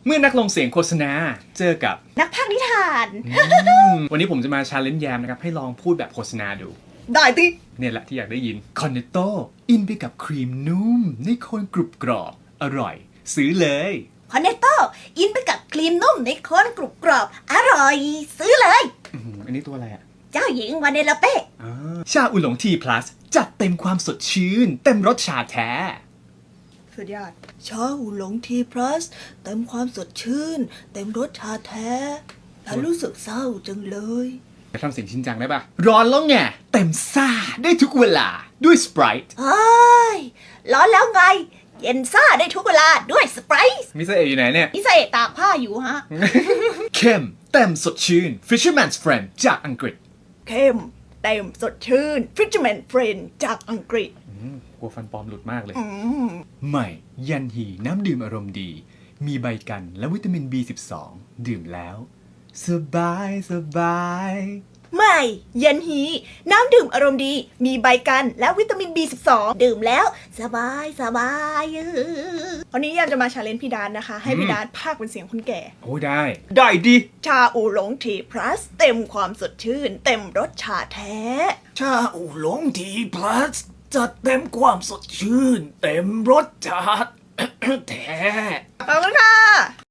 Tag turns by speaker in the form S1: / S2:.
S1: เมื่อนักลงเสียงโฆษณาเจอกับ
S2: นักพากย์นิทาน
S1: วันนี้ผมจะมาชาเลนจ์แยมนะครับให้ลองพูดแบบโฆษณาดู
S2: ได้ติ
S1: เนี่ยแหละที่อยากได้ยินคอนเนตโตอินไปกับครีมนุ่มในโคนกรุบกรอบอร่อยซื้อเลย
S2: คอนเนตโตอินไปกับครีมนุ่มในโคนกรุบกรอบอร่อยซื้อเลย
S1: อันนี้ตัวอะไรอ่ะ
S2: เจ้าหญิงวาเนลาเป้
S1: ชาอุหลงทีพลัสจัดเต็มความสดชื่นเต็มรสชาแท้
S2: สุดยอดชาอูหลงทีพลัสเต็มความสดชื่นเต็มรสชาแท้ฉันรู้สึกเศร้าจังเลย
S1: จะทำเสียงชินจังได้ปะร้อนแล้วไงเต็มซ่าได้ทุกเวลาด้วยสไปรท์
S2: เฮ้ยร้อนแล้วไงเย็นซ่าได้ทุกเวลาด้วยสไปรท์
S1: มิสเอะอยู่ไหนเนี่ย
S2: มิสเอะตากผ้าอยู่ฮะ
S1: เข้มเต็มสดชื่น Fisherman's Friend จากอังกฤษ
S2: เข้มเต็มสดชื่น Fisherman Friend จากอังกฤษ
S1: กลัวฟันปลอมหลุดมากเลยใหม่ยันฮีน้ำดื่มอารมณ์ดีมีใบกันและวิตามิน B12 ดื่มแล้วสบายสบาย
S2: ใหม่ยันฮีน้ำดื่มอารมณ์ดีมีใบกันและวิตามิน B12 ดื่มแล้วสบายสบายวันนี้ยามจะมาชาเลนจ์พี่ดานนะคะให้พี่ดานพากย์เป็นเสียงคนแก่
S1: โอ้ได้ดิ
S2: ชาอูหลงทีพลัสเต็มความสดชื่นเต็มรสชาแท้
S1: ชาอูหลงทีพลัสจัดเต็มความสดชื่นเต็มรสชาติแท้
S2: ขอบคุณค่ะ